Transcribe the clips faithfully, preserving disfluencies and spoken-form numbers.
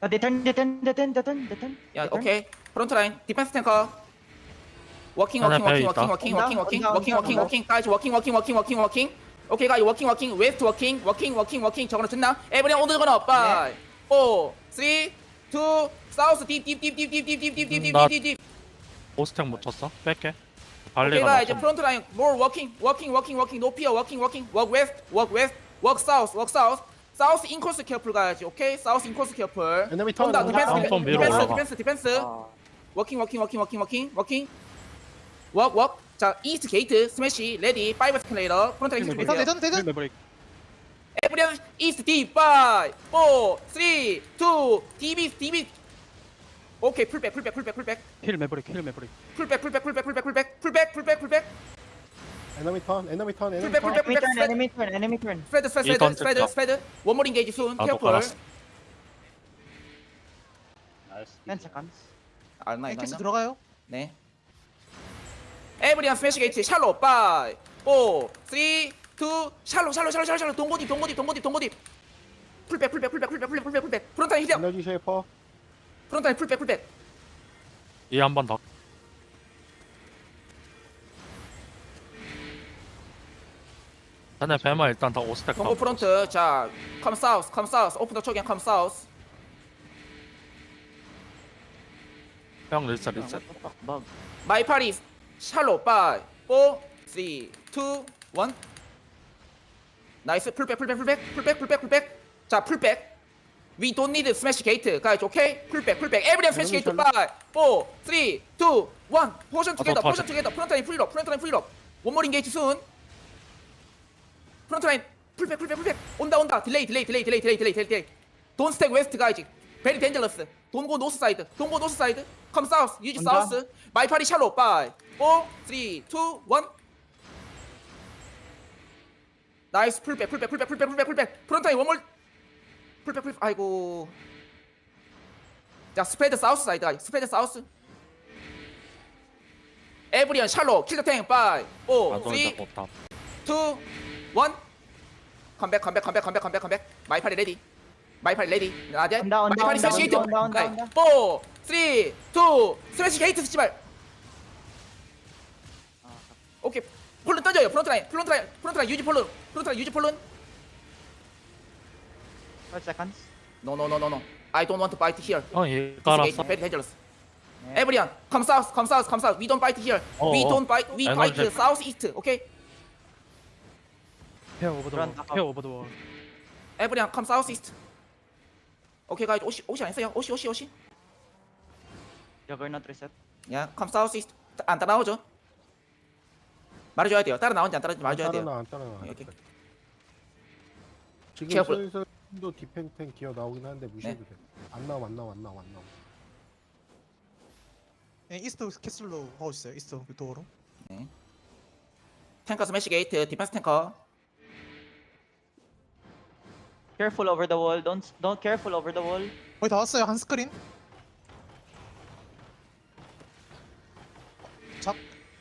Uh, they turn, they turn, they turn, they turn, they turn. 야 they turn. 오케이 프론트 라인 디펜스 탱커 워킹 하나 워킹 배에 워킹 있다. 워킹 워킹 온다, 워킹 워킹 온다, 워킹 온다, 워킹 온다. 워킹 가이즈 워킹 워킹 워킹 워킹 워킹 오케이 가이즈 워킹 워킹 웨스트 워킹 워킹 워킹 워킹 저거는 듣나? 에브리언 오늘 거는 파이브 사 삼 이 사우스 딥딥딥딥딥딥딥딥딥딥딥딥 오스텍 못 쳤어? 뺄게. 오케이 발리가 가이즈 맞아. 프론트 라인 more 워킹 워킹 워킹 워킹 노 피어 워킹 워킹 워크 웨스트 워크 웨스트 워크 사우스 워크 사우스 사우스 인코스 케어풀 가야지 오케이 사우스 인코스 케어풀 에너미 턴, 온다 에너미 디펜스 턴. 턴 위로 디펜스 올라가. 디펜스 디펜스 아, 워킹 워킹 워킹 워킹 워킹 워킹 워크 워크 자 이스트 게이트 스매시 레디 파이브 스클레이터 프론트 라인 대전 대전 대전 메버릭. 에브리언 이스트 디 파이브 사 삼 이 디비 디비 오케이 풀백 풀백 풀백 풀백 힐 메버릭 힐 메버릭. 풀백 풀백 풀백 풀백 풀백 풀백 풀백 풀백 에너미 턴 에너미 턴 에너미 풀백 턴. 풀백 enemy turn, 풀백 enemy turn, enemy turn. 스프레드 스프레드 이 턴 스프레드 됐다. 스프레드 원몰 인게이지 순 나도 케어풀 깔았어. ten seconds. 알나 엑스 이나 들어가요. 네 에브리언 스매시 게이트 샬로 파이브 사 삼 이 샬로 샬로 샬로 샬로 샬로 동고딥 동고딥 동고딥 동고딥 풀백 풀백 풀백 풀백 풀백 풀백 풀백 프론트 라인 힐업 에너지 쉐이퍼. 프론트 라인 풀백 풀백 이 한 번 더. 자네 배만 일단 다 오스텍 동고 가고. 프론트 자 컴 사우스 컴 사우스 오픈 더 초기엔 컴 사우스 형 리셋 리셋. What the fuck, bug. 마이 파리 샬로 파이브 사 삼 이 일 나이스 풀백 풀백 풀백 풀백 풀백 풀백 자 풀백 We don't need smash gate guys 오케이 풀백 풀백 everyone smash gate 파이브 사 삼 이 일 포션 투게더 더, 더, 포션 투게더 프론트 라인 프리럽 프론트 라인 프리럽 원몰 인게이지 순 프론트 라인 풀백 풀백 풀백 온다 온다 딜레이 딜레이 딜레이 딜레이 딜레이 딜레이 딜레이 Don't stack west guys very dangerous Don't go north side Don't go north side Come south use 온다. south My party shallow five four three two one 나이스 풀백 풀백 풀백 풀백 풀백 풀백 프론트 라인 원몰 풀백 풀백 아이고 자 스프레드 사우스 사이드 가이 스프레드 사우스 에브리언 샬로 킬더 탱 파이브 사 나도 삼 일단 못다. 투, 원 컴백 컴백 컴백 컴백 컴백 컴백 마이파리 레디 마이파리 레디 나데 온다, 온다, 마이파리 온다, 스매시 게이트 온다, 온다, 온다. 사, 삼, 이 스매시 게이트 씨발 오케이 폴론 떠져요 프론트 라인 프론트 라인 프론트 라인 유지 폴론 프론트 라인 유지 폴론 Five seconds. No no no no no I don't want to fight here 형이 This gate 깔았어. very dangerous Yeah. Everyone come south come south come south We don't fight here 어, We 어. don't fight We fight 에너지. south east okay 페어 오버 더 Run 월. back up. 페어 오버 더 월. Everyone come south east 오케이 가이즈 오시 오시 안 했어요 오시 오시 오시 Juggernaut reset. 야, 컴 사우스 이스트 안 따라오죠? 말해줘야 돼요. 따라 나오는지 안 따라오는지 말해줘야 돼요. 따라나 안 따라나. 오케이. 지금 케어풀. 슬슬 도 디펜탱 기어 나오긴 하는데 무시해도 돼. 안 나와 안 나와 안 나와 안 나와. 예, 이스트 캐슬로 하고 있어요. 이스트 그 도어로. 탱커 스매시 게이트, 디펜스 탱커. Careful over the wall. Don't, don't careful over the wall. 거의 다 왔어요. 한 스크린. 잡.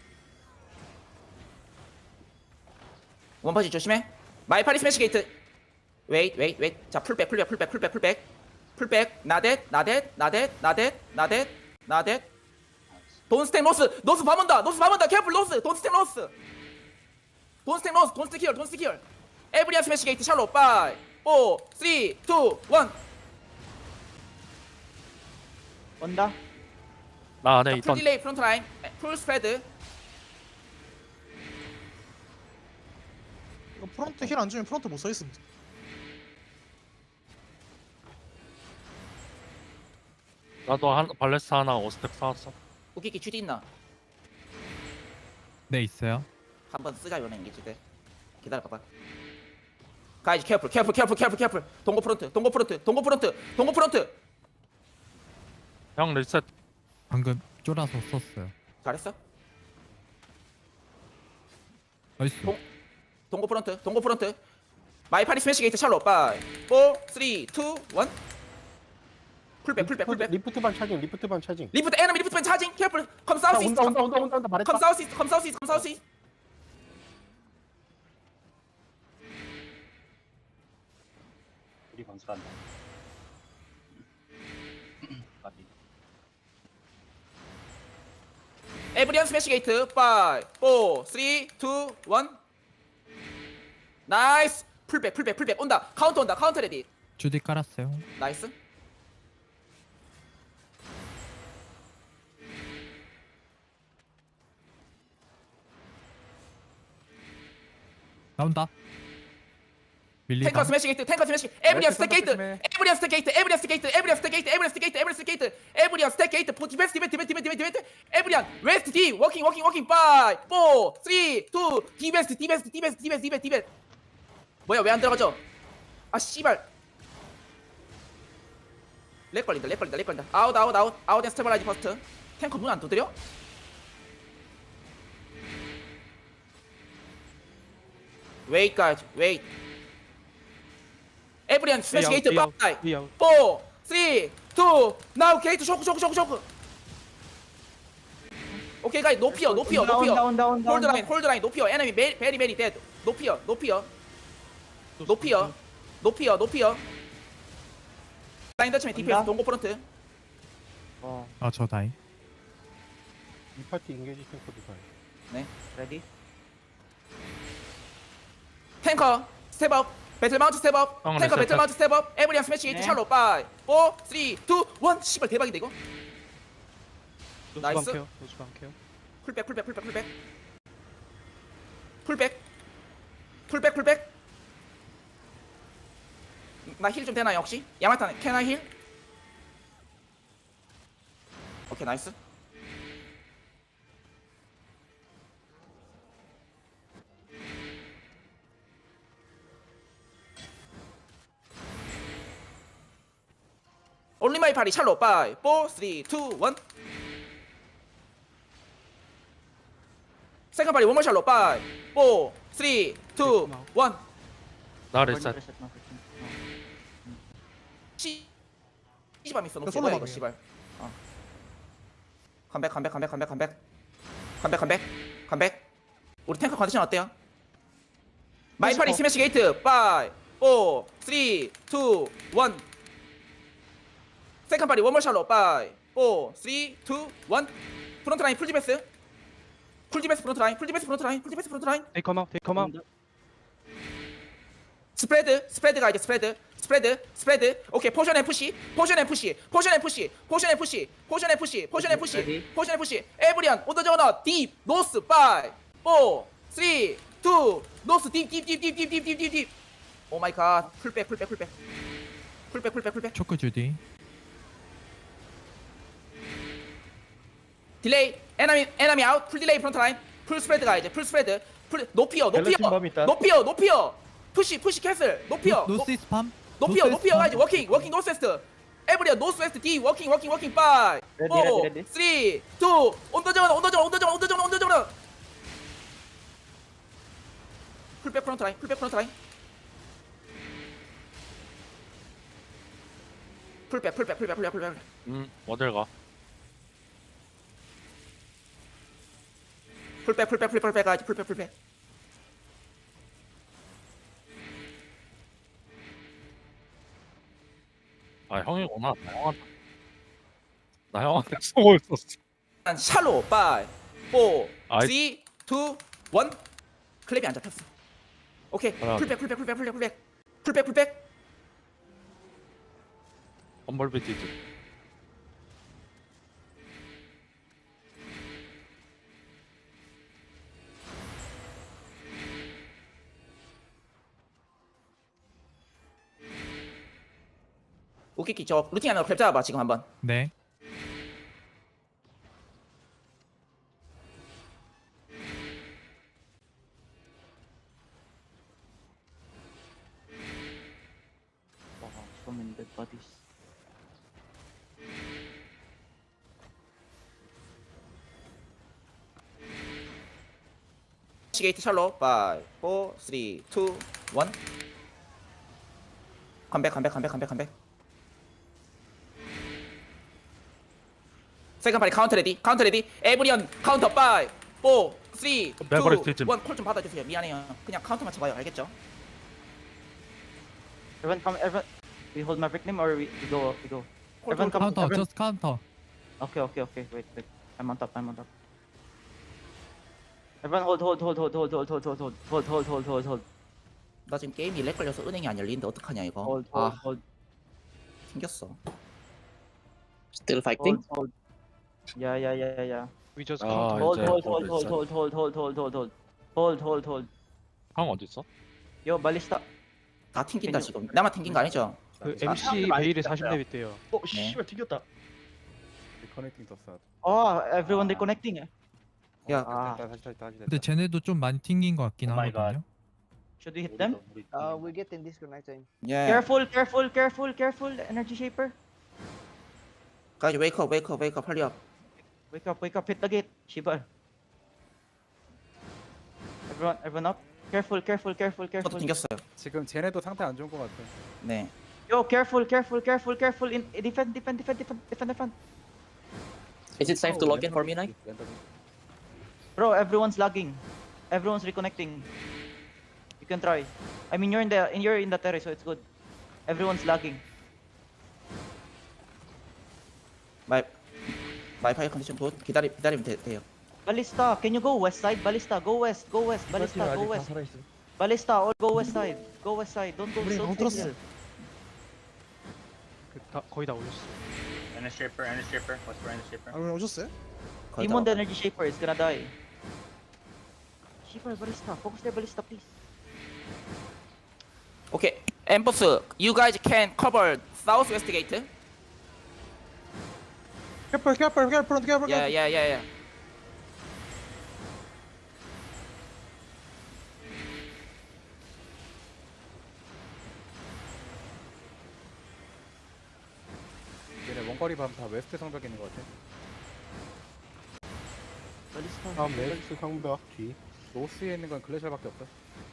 원퍼지 조심해. 마이파리 스매시 게이트. 웨이트, 웨이트, 웨이트. 자, 풀백, 풀백, 풀백, 풀백, 풀백. 풀백, 나댓, 나댓, 나댓, 나댓, 나댓, 나댓. 돈 스택 노스, 노스 밤온다, 노스 밤온다. 케어풀 노스, 돈 스택 노스. 돈 스택 노스, 돈 스택 히얼, 돈 스택 히얼. 에브리언 스매시 게이트 샬로 파이브, 사, 삼, 이, 일 온다. 나 안에 풀 있던 딜레이 프론트 라인 풀 스프레드 이거 프론트 힐 안 주면 프론트 못 서 있습니다. 나도 한 발레스 하나 오스텍 사왔어. 웃기기 쥐디 있나? 네 있어요. 한번 쓰자 요네 인기지 때 기다려봐봐 가이즈 케어풀 케어풀 케어풀 케어풀 케어풀 동고 프론트 동고 프론트 동고 프론트 동고 프론트 형 리셋. 방금 쫄아서 썼어요. 잘했어? 나이스. 동- 동고 프론트 동고 프론트 마이파리 스매시 게이트 샬로 파이브 사, 삼, 이, 일 풀백 풀백 풀백 리프트 반 차징 리프트 반 차징. 리프트 에너미 리프트 펜 차징 케어풀 컴 자, 사우스 이스트 온다 온다 온다 온다 온다 말했다. 컴 사우스 이스트 컴 사우스 이스트 컴 사우스 이스트 우리 건설한다. 에브리언 스매시 게이트 파이브, 사, 삼, 이, 일 나이스 풀백 풀백 풀백 온다 카운터 온다 카운터 레디 주디 깔았어요. 나이스 나온다. 밀리다. 탱커 스매시 게이트 탱커 스매시 에브리언 스택 게이트 에브리언 스택 게이트 에브리언 스택 게이트 에브리언 스택 게이트 에브리언 스택 게이트 에브리언 스택 게이트 에브리언 스택 게이트 포 디펜스 디펜스 디펜스 디펜스 디펜스 디펜스 에브리언 웨스트 D 워킹 워킹 워킹 파이브, 사, 삼, 이, 디베스트 디베스트 디베스트 디베스트 디베스트 디베스트 뭐야 왜 안 들어가죠? 아 씨발 렉 걸린다 렉 걸린다 렉 걸린다 아웃 아웃 아웃 아웃 앤 스테벌라이즈 퍼스트 탱커 문 안 두드려? 웨이트 가야지 웨이트 에브리언 스매시 게이트 파이브, 사, 삼, 이, 나우 게이트 쇼크 쇼크 쇼크 쇼크 오케이 가이 높이요 높이요 Down, 높이요 down, down, 홀드 down. 라인 홀드 라인 높이요 에너미 베리 베리 베리 데드 높이요 높이요 높이요 높이요 높이요 라인 더치면 디피에스 온다? 동고 프런트 어, 아, 저 다이. 이 파티 인게이지 탱커도 다. ready? 탱커 스텝업 배틀 마운트 스텝업 형, 탱커 네, 배틀 스텝. 마운트 스텝업 에브리언 스매시 게이트 네. 샬로 파이브, 사, 삼, 이, 일 씨발 대박인데 이거 나이스 풀백 풀백 풀백 풀백 풀백 풀백 풀백 나 힐 좀 되나요 혹시? 야마타 캐나 힐? 오케이 나이스 올리 마이 파리 샬로 파이브, 사, 삼, 이, 일 세컨 파리 원몰 샬로 파이브, 사, 삼, 이, 일 나 Ready, 리셋. reset na, reset na. 씨 씨발 있어 너 그 씨발 이거 솔로방이야. 씨발 어 컴백 컴백 컴백 컴백 컴백 컴백 컴백 컴백 우리 탱커 컨디션 어때요? 마이파리 스매시 게이트 파이브, 사, 삼, 이, 일 세컨 파리 원몰 샬로 파이브, 사, 삼, 이, 일 프론트 라인 풀 디베스 풀 디베스 프론트 라인 풀 디베스 프론트 라인 풀 디베스 프론트 라인 They come out, they come out. 스프레드 스프레드가 이제 스프레드 스프레드 스프레드 오케이 포션 앤 푸시 포션 앤 푸시 포션 앤 푸시 포션 앤 푸시 포션 앤 푸시 포션 앤 푸시 Ready? 포션 앤 푸시 에브리언 온더 저너 딥 노스 파이브, 사, 삼, 이, 노스 딥딥딥딥딥딥딥딥 오 마이 갓 풀백 풀백 풀백 풀백 풀백 풀백 초크 주디. 딜레이 에너미 에너미 아웃 풀 딜레이 프론트 라인 풀 스프레드가 이제 풀 스프레드 풀 높이요 높이요 밸런스 범 있다. 높이요 높이요 푸시 푸시 캐슬 높이요 높- 노스 이스 팜. 높이요 높이요 가야지 워킹 워킹 노스웨스트 에브리어 노스웨스트 D 워킹 워킹 워킹 파이브, Ready, ready, ready. 사, 삼, 이, 온더 저너 온더 저너 온더 저너 온더 저너 온더 저너 풀백 프론트 라인 풀백 프론트 라인 풀백 풀백 풀백 풀백 풀백 음, 어딜 가? 풀백 풀백 풀백 풀백 가야지 풀백 풀백 아, 형이구나. 나 형한테. 나 형한테 쏘고 있었어. 난 샬로 파이브, 사, 아이. 삼, 이, 일 클랩이 안 잡혔어 오케이 하나. 풀백 풀백 풀백 풀백 풀백 풀백 풀백 험벌비 디즈. 오케이 저 루틴 하나 랩 잡아봐 지금 한번 네. Wow, so many dead bodies. 게이트 샬로 파이브, 사, 삼, 이, 일 컴백 컴백 컴백 컴백 컴백 세컨 파리 카운터 레디 카운터 레디 에브리언 카운터 파이브, 사, 삼, 이, 매버릭 일 뒤집. 콜좀 받아주세요 미안해요 그냥 카운터만 쳐봐요 알겠죠? Everyone come, everyone. We hold Maverick name or we, we go, we go. 콜, Everyone 콜, come, 카운터. everyone. 저스트 카운터. Okay, okay, okay. Wait, wait. I'm on top, I'm on top. Everyone hold, hold, hold, hold, hold, hold, hold, hold, hold, hold, hold, hold, hold, hold, 나 지금 게임이 렉 걸려서 은행이 안 열리는데 어떡하냐 이거. hold, hold, 아 hold, 튕겼어. Still fighting? hold, hold. Yeah, yeah, yeah, yeah. We just 아, come to Hold, 이제 hold, hold hold, hold, hold, hold, hold, hold, hold, hold, hold, hold, hold. 형 어디 있어? Yo, ballista. 다 튕긴다 지금. 나만 튕긴 거 아니죠? 그 엠씨 베일에 사십 렙 있대요. 어 네. 씨발 튕겼다. 리커넥팅 떴어. Oh, everyone reconnecting. 야 Ah, 다시 다시 다시 근데 쟤네도 좀 많이 튕긴 것 같긴 Oh my God. 하거든요. should we hit them? Uh, we're getting disconnected. 예. Careful, careful, careful, careful. Energy shaper. 가이즈 웨이크업 웨이크업 웨이크업 빨리 업. Wake up, wake up, hit the gate. Shibar. Everyone, everyone up. Careful, careful, careful, 저도 careful. 튕겼어요. 지금 쟤네도 상태 안 좋은 것 같아. 네. Yo, careful, careful, careful, careful. In defend, defend, defend, defend, defend, defend. Is it safe to log in for me, Nike? Bro, everyone's lagging. Everyone's reconnecting. You can try. I mean, you're in the, in you're in the terrace, so it's good. Everyone's lagging. 마이 마이파이 컨디션 굿. 기다리 기다리면 돼, 돼요. Ballista, can you go west side? Ballista, go west, go west. Ballista, go west. Ballista, all go west side. Go west side. Don't go 우리 don't 너무 stay 들었어. here. 그 다, 거의 다 올렸어. Energy shaper, energy shaper. What's for energy shaper? 아, 왜 오셨어요? 거의 다 Demon the 왔다. energy shaper is gonna die. Shaper, Ballista, focus there, Ballista, please. 오케이. 엠버스, you guys can cover southwest gate. Careful, careful, careful, careful. Yeah, yeah, yeah, yeah. 얘네 원거리 밤 다 웨스트 성벽에 있는 것 같아. Ballista. 다음 웨스트 성벽 뒤. 노스에 있는 건 글래셜밖에 없어.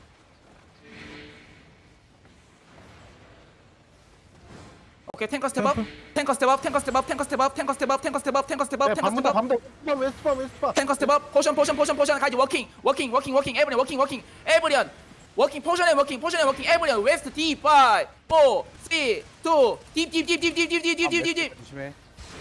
오케이 탱커 스텝업. 탱커 스텝업. 탱커 스텝업. 탱커 스텝업. 탱커 스텝업. 탱커 스텝업. 탱커 스텝업. 야, 탱커 밤다 스텝업. 밤다. 웨스트밤 웨스트밤 웨스트밤. 탱커 스텝업. 포션 포션 포션 포션 가지 워킹. 워킹 워킹 워킹 에브리언 워킹 워킹 에브리언. 워킹 포션에 워킹 포션에 워킹 에브리언 웨스트 D 오 사 삼 이 딥딥딥딥딥딥딥딥딥딥딥. 조심해.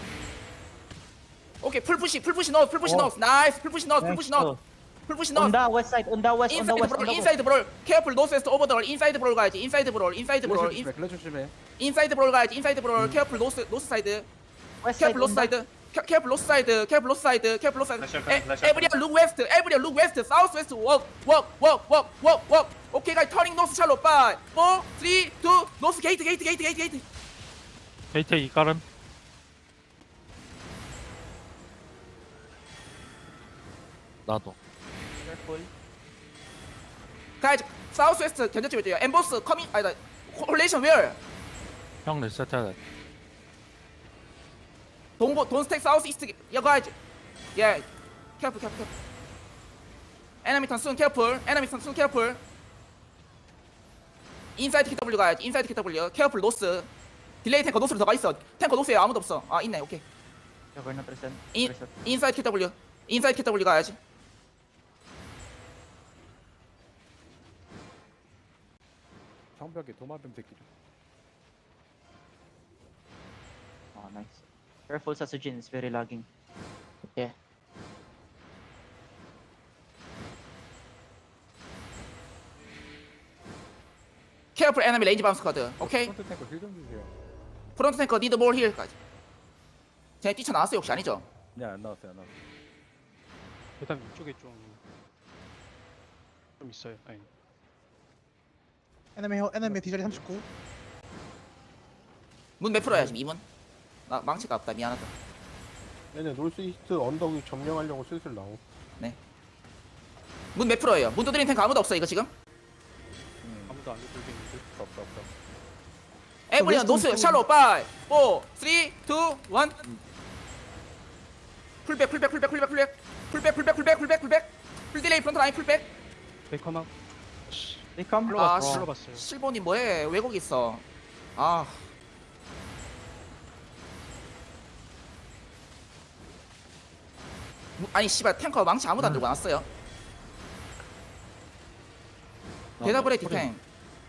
오케이 풀푸시 풀푸시 넣어 풀푸시 어. 넣어 나이스 풀푸시 넣어 풀푸시 넣어 풀푸시 넣어 On the west side, on the west, on the 인사이드 west, on 브롤 the west. 인사이드 브롤 케어풀 노스웨스트 오버더럴 인사이드 브롤 가야지 인사이드 브롤 인사이드 브롤 글래셜 조심해. 글래셜 조심해. 인사이드 브롤 가야지 인사이드 브롤 케어풀 노스 노스 사이드 West side, 케어풀 노스 on the- 사이드 케어풀 노스 사이드 케어풀 노스 사이드 케어풀 노스 사이드 Flash open, flash open. 에브리언 룩 웨스트 에브리언 룩 웨스트 사우스 웨스트 웍웍웍웍웍웍 오케이 가이 터닝 노스 샬로 파이 사 삼 이 노스 게이트 게이트 게이트 게이트 게이트 게이트 이깔음. 나도. Careful. 가야지 사우스 웨스트 견제점 있대요 엠보스 커밍 아니다 콜레이션 웨어 형 리셋해야 돼. 동보 돈스택 사우스 이스트 야 가야지 예 케어풀 케어풀 케어풀 에너미 턴순 케어풀 에너미 턴순 케어풀 인사이드 케이더블유 가야지 인사이드 케이더블유 케어풀 노스 딜레이 탱커 노스로 들어가 있어 탱커 노스에 아무도 없어 아 있네 오케이 Yeah, we're not reset. 인 Reset. 인사이드 케이더블유 인사이드 케이더블유 가야지 성벽에 도마뱀 새끼들. Oh, nice. Careful, Sasujin, it's very lagging. Yeah. 케어풀 에너미 레인지 바운스 카드 오케이 프론트 탱커 힐좀 주세요. 프론트 탱커 니드 볼 힐까지 쟤 뛰쳐나왔어요 혹시 아니죠? 네, 안 나왔어요, 안 나왔어요. 일단 이쪽에 좀. 좀 있어요. 아니. 에너미 에너미 디자리 삼십구. 문 몇 프로야 지금 이 문? 나 망치가 없다 미안하다 얘네 놀스 이스트 언덕 위 점령하려고 슬슬 나오. 문 몇 프로예요? 문 두드리는 탱크 아무도 없어 이거 지금? 아무도 안 들리는데. 없어, 없어. 에브리언 웨스턴 노스 쪽- 샬로 파이 사 삼 이 일 풀백 풀백 풀백 풀백 풀백 풀백 풀백 풀백 풀백 풀백 풀딜레이 프론트 라인 풀백 베이커만 They come. 아, 불러 씨. 불러봤어요. 실버님 뭐해 왜 거기 있어 아 무- 아니 씨발 탱커 망치 아무도 안 들고 왔어요 대답을 해 디탱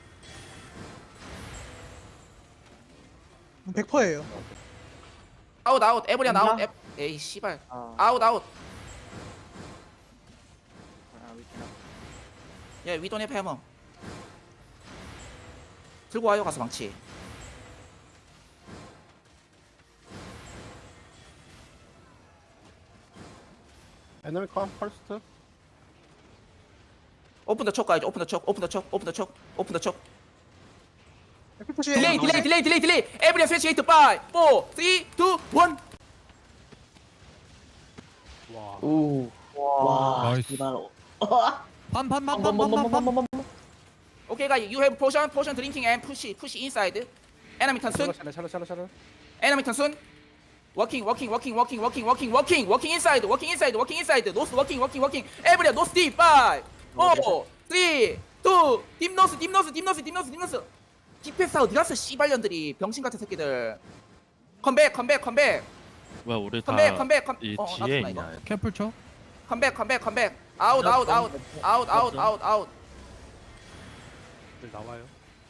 백 퍼센트예요. 아웃 아웃 에브리언 아웃 없나? 에 에이 씨발 Uh, 아웃 아웃 예, we don't have hammer. 들고 와요 가서 망치. 에너미 컴 퍼스트. 오픈 더 촉 가야죠. 오픈 더 촉. 오픈 더 촉. 오픈 더 촉. 오픈 더 촉. 푸시. 딜레이 딜레이 딜레이 딜레이 딜레이. 에브리언 스위치 게이트 파이브, 사, 삼, 이, 일. 와. Ooh. 와. 나이스. Gimana? 빰빰빰빰빰빰빰. 오케이 guys, you have potion, potion drinking and push, push inside. Enemy turn soon. 샬러 샬러 샬러 샬러. Enemy turn soon. Working, working, working, working, working, working, working, working inside, working inside, working inside. Nose, working, working, working. Everyone, nose deep. Five, four, three, two. Deep nose, deep nose, deep nose, deep nose, deep nose. 디펜스 어디 갔어? 씨발년들이 병신 같은 새끼들. 컴백, 컴백, 컴백, 왜 우리 컴백, 컴백, 컴. 다이 어, 뒤에 나도 나 이거. 있냐? 캐플 쳐. 컴백, 컴백, 컴백. 아웃, 아웃, 아웃, 아웃, 아웃, 아웃, 아웃. 들 나와요.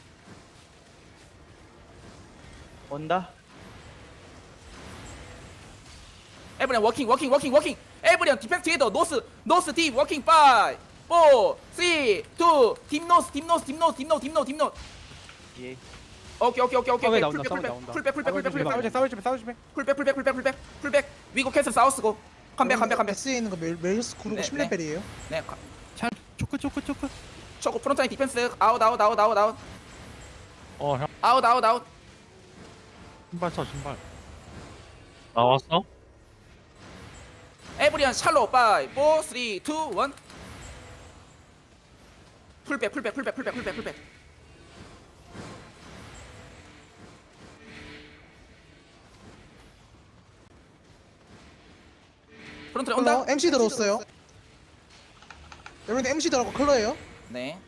온다. Everyone working, working, working, working. Everyone defense together. Nose, nose deep, working. Five, four, three, two. Deep nose, deep nose, deep nose, deep nose, deep nose, deep nose. 예. 오케이, 오케이, 오케이, 오케이. 싸움에 오케이. 나온다, 풀백, 싸움에 풀백, 나온다. 풀백, 풀백, 풀백, 풀백, 싸우지 풀백, 싸우지 싸우지 싸우지. 풀백, 풀백, 풀백, 풀백, 풀백. 위고 캔슬 사우스고. 컴백, 컴백, 컴백. S에 있는 거 메- 메일스 네, 구르고 십 레벨이에요. 네, 가- 잘 초크 초크 초크. 초코 프론트 라인 디펜스. 아웃, 아웃, 아웃, 아웃, 아웃. 어, 형 아웃, 아웃, 아웃. 신발 써 신발. 나왔어? 에브리언 샬로. Five, four, three, two, one. 풀백, 풀백, 풀백, 풀백, 풀백, 풀백. 프론트 라인 온다. 클러 엠씨 들어왔어요. 여러분들 엠씨 들어가고 클러예요. 네.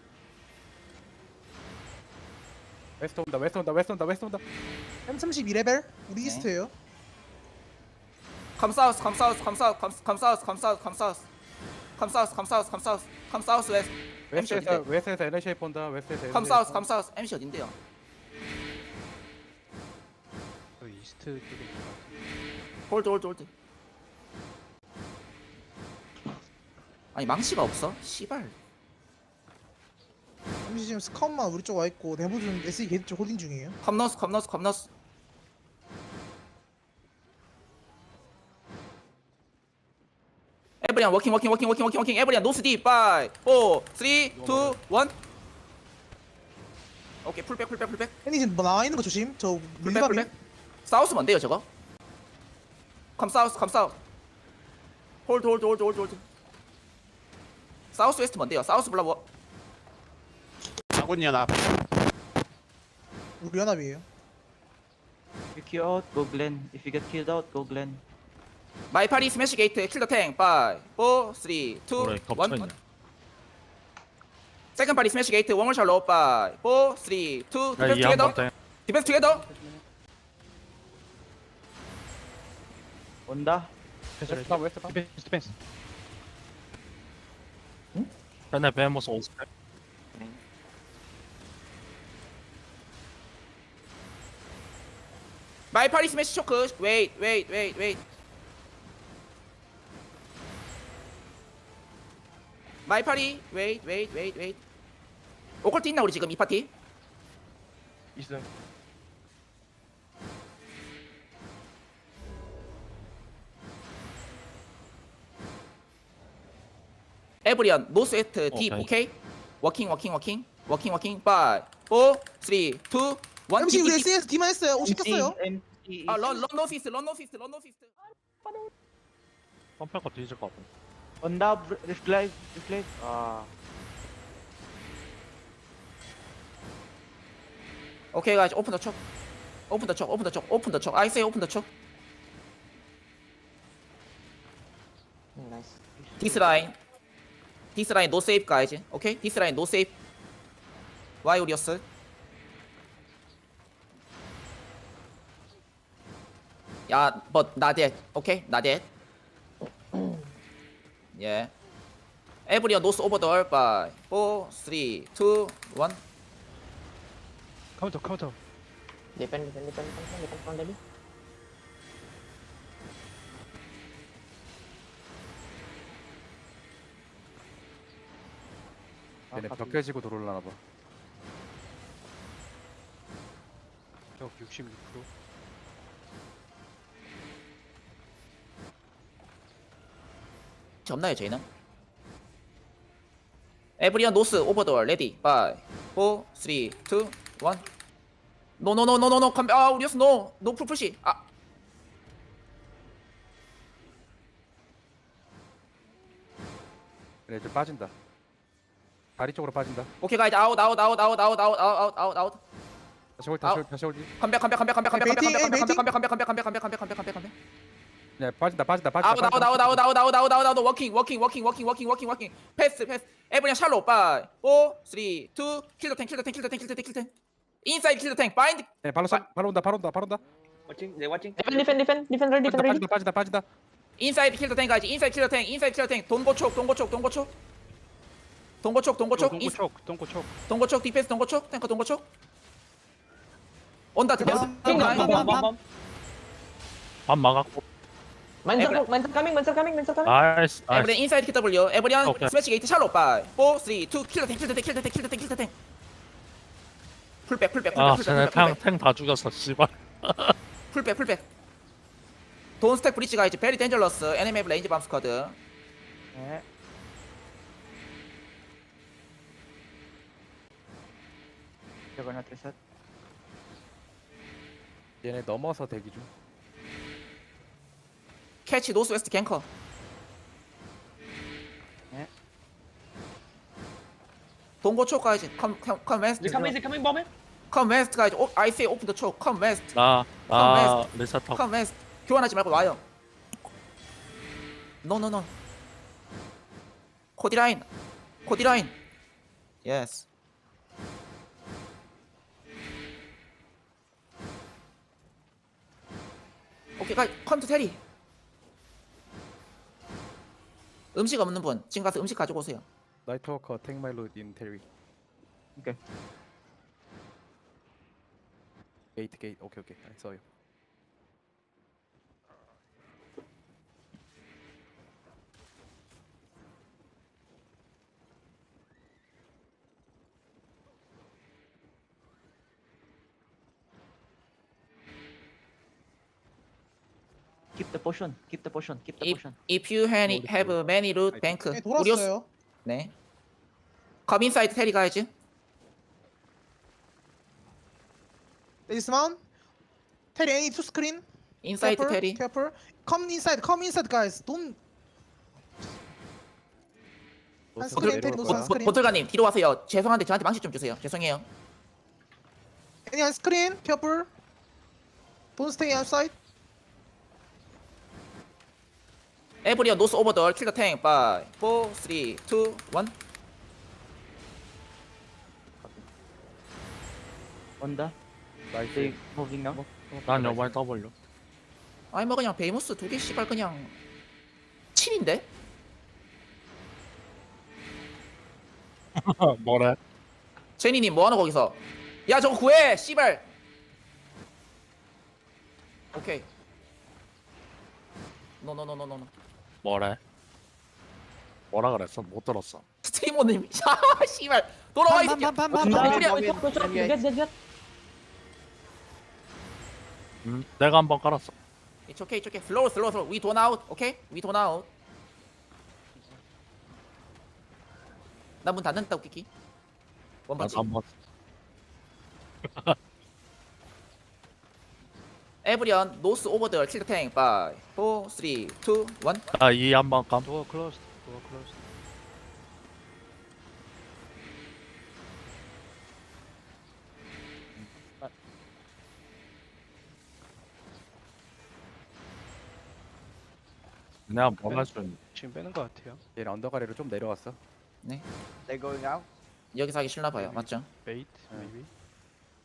웨스트 온다 웨스트 온다 웨스트 온다 웨스트 온다. 엠 삼십이 레벨 우리 네. 이스트예요. Come south, come south, come south, come, come south, come south, come south. Come south, come south, come south. Come south west. 엠씨 웨스트에서 어딘데? 웨스트에서 에너시 본다 웨스트에서. Come south, come south. 엠씨 어딘데요? 저 이스트 쪽에 있는 것 같아요. 홀드, 홀드, 홀드. 아니 망치가 없어? 씨발. 엠씨 지금 스카웃만 우리 쪽 와 있고 내부준 에스이 게이트 쪽 홀딩 중이에요. 컴너스, 컴너스, 컴너스. 에브리안 워킹, 워킹, 워킹, 워킹, 워킹, 워킹. 에브리안 노스 딥. 파이브, 사, 삼, 이, 일. 오케이, 풀백, 풀백, 풀백. 혜니 지금 뭐 나와 있는 거 조심. 저 풀백, 밀리바비. 풀백. 사우스 뭔데요, 저거? 컴 사우스, 컴 사우스. 홀드, 홀드, 홀드, 홀드, 홀드. 사우스 웨스트 뭔데요? 사우스 블라워. 아군 연합. 우리 연합이에요. Pick you out. Go Glen. If you get killed out, go Glen. 마이 파리 스매시 게이트 킬더 탱. 파이브, 사, 삼, 이, 그래 겹쳐 있네. 일. 세컨 파리 스매시 게이트 원월 샬로. 파이브, 사, 삼, 이, 일. 디펜스 야이 투게더. 한번 디펜스 투게더. 온다. 웨스트 파 웨스트 파. 디펜스 디펜스. 펜에 베모스 오스펙. 마이 파리 스매시 초크. 웨이트, 웨이트, 웨이트, 웨이트. 마이 파리. 웨이트, 웨이트, 웨이트, 웨이트. 오컬트 있나 우리 지금 이 파티? 있어. 에브리언 노스 웨스트 딥. 오케이. 오케이? 워킹, 워킹, 워킹. 워킹, 워킹. 파이브, 사, 삼, 이, 일. 엠씨 우리 에스이에서 D만 했어요. 오 시켰어요. 엠씨. 아, 런, 런 노스 이스트, 런 노스 이스트, 런 노스 이스트. 펌페가 뒤질 것 같아. 온다. 리플라이. 리플라이. 아. 오케이, guys, open the choke. Open the choke, open the choke, open the choke. I say open the choke. Nice. This line. This line no save, guys. Okay? This line no save. Why Urios? Yeah, but not dead. Okay? Not dead. Yeah. Everyone knows over the earth by four, three, two, one. 카운터 카운터. Depend, depend, depend, depend, depend on Debbie. 얘네 가비. 벽 깨지고 들어올라나 봐. 적 육십육 퍼센트. 없나요 저희는? 에브리언 노스 오버돌 레디 파이 사 삼 이 일 노노노노노노 컴백 아 우리였어 노 노풀 푸시 아 그래 이제 빠진다. 다리 쪽으로 빠진다. 오케이 가이즈 아웃 아웃 아웃 아웃 아웃 아웃 아웃 아웃 아웃 다시 홀 다시 홀 다시 홀. 컴백 컴백 컴백 컴백 컴백 컴백 베이팅, 컴백 베이팅. 컴백 컴백 컴백 컴백 컴백 컴백 컴백 컴백 컴백 네 빠진다 빠진다 빠진다. 아웃 아웃 아웃 아웃 아웃 아웃 아웃 아웃 아웃 워킹 워킹 워킹 워킹 워킹 워킹 워킹 패스 패스 에브리언 샬로 파이 사 삼 이 킬더 탱 킬더 탱 킬더 탱 킬더 탱 킬더 탱 인사이드 킬더 탱 바인드 네 발로 쏴 발로 온다 발로 온다 발로 온다. Watching, they watching. Defend, defend, defend, defend ready, defend ready. 빠진다 빠진다 빠진다. 인사이드 킬더 탱 가야지 인사이드 킬더 탱 인사이드 킬더 탱 동고촉 동고촉 동고촉 동고촉 동고촉 인- 동고촉 동고촉. 동고촉 디펜스 동고촉 탱커 동고촉 온다 드디어 King, bomb, bomb, bomb, bomb. 밥 막았고. Mines Every- are, mines are coming, mines are coming, mines are coming. 나이스 에브리언 나이스. 인사이드 킬더블유 에브리언 오케이. 스매시 게이트 샬로 파이 사 삼 이 일 킬더 탱 킬더 탱 킬더 탱 킬더 탱 킬더 탱 풀백 풀백 아 풀백 쟤네 풀백 풀백 탱탱다 죽였어 씨발. 풀백 풀백 돈 스택 브리지 가이즈 베리 덴저러스 에니메이브 레인지 밤 스쿼드 네. Juggernaut reset. 얘네 넘어서 대기 중. 캐치 노스 웨스트 갱커 네. 동고촉 가이즈 컴컴 웨스트 Is it coming? Is it coming, bomb? 컴 웨스트 가이즈 오 I say open the choke 컴 웨스트 나나 리셋하고. 컴 웨스트 교환하지 말고 와요 노노노 코디라인 코디라인 예스 오케이 가이 컴투 테리 음식 없는 분 지금 가서 음식 가지고 오세요 나이트 워커 탱 마일로 인 테리. 오케이. 게이트 게이트 오케이 오케이 써요. Keep the potion. Keep the potion. Keep the if, potion. if you have, have many root bank 네, 우리오스 돌았어요. 네. 컴 인사이드 테리 가야지. Dismount. Terry, any to screen. 인사이드 Careful, 테리. Careful. Come inside. Come inside, guys. Don't. 한 노스 스크린 내려올 테리 노스 거야. 한 스크린. 보틀가님 뒤로 와서요. 죄송한데 저한테 망치 좀 주세요. 죄송해요. Any 한 스크린. Careful. Don't stay outside. 에브리언 노스 오버돌 킬더 탱 바이 사 삼 이 일 Onda. 나이스. They moving now. 난 여발 W. 아니 뭐 그냥 베이모스 두 개 씨발 그냥 칠인데? 뭐래? 제니님 뭐하노 거기서? 야 저거 구해 씨발. 오케이. 노노노노노노. 뭐래? 뭐라 그랬어? 못 들었어. 스트리머님 야 씨발 돌아와 이 새끼야. Get, 에브리언 get, get, get, get. 음, 내가 한번 깔았어. It's okay, it's okay. Slow, slow, slow. We don't out, okay? We don't out. 나 문 닫는다 웃기기. 원 나도 번지. 한번. 에브리언 노스 오버더 킬더 탱 바이 사 삼 이 일 나이 한번 감. Door closed. Door closed. 내가 뭘 할 수 있는? 지금 빼는 것 같아요. 얘네 언더가리로 좀 내려왔어. 여기서 하기 싫나 봐요. 맞죠? Bait, maybe.